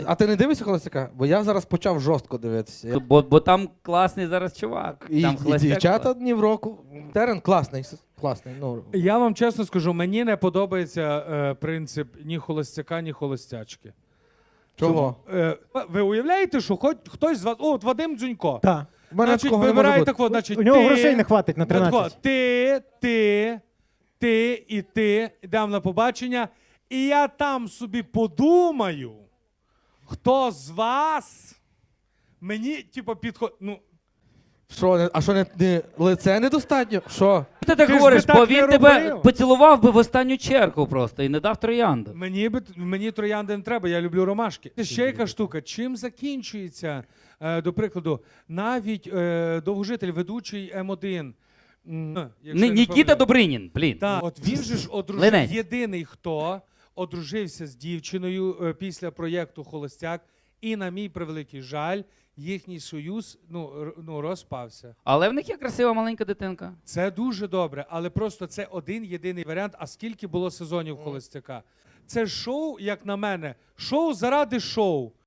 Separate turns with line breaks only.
А ти не дивишся холостяка? Бо я зараз почав жорстко дивитися.
Бо там класний зараз чувак.
І,
Там
і дівчата дні в року. Терен класний, класний. Ну.
Я вам чесно скажу, мені не подобається принцип ні холостяка, ні холостячки.
Чого?
Ви уявляєте, що хоч хтось з вас... О, от Вадим Дзюнько.
Так.
В мене
Значить,
такого не може
вибираєте,
бути.
значить,
У нього
ти,
грошей не хватить на
тако,
13.
ти і ти йдемо на побачення, і я там собі подумаю, хто з вас мені, типу, підходить. Ну,
Що, а що не лице недостатньо? Що?
Ти так
Ти ж
говориш,
би так
бо
не
він тебе
робив.
поцілував би в останню чергу просто і не дав троянду.
мені троянди не треба, я люблю ромашки. Це ще яка штука. Чим закінчується, до прикладу, навіть довгожитель, ведучий М1. якщо я не
Нікіта
помиляюсь.
Добринін, блін.
Так, от він же ж одружив,
Линець.
єдиний, хто одружився з дівчиною після проєкту «Холостяк», і, на мій превеликий жаль, їхній союз розпався.
Але в них є красива маленька дитинка.
Це дуже добре, але просто це один єдиний варіант. А скільки було сезонів «Холостяка»? Це шоу, як на мене, шоу заради шоу.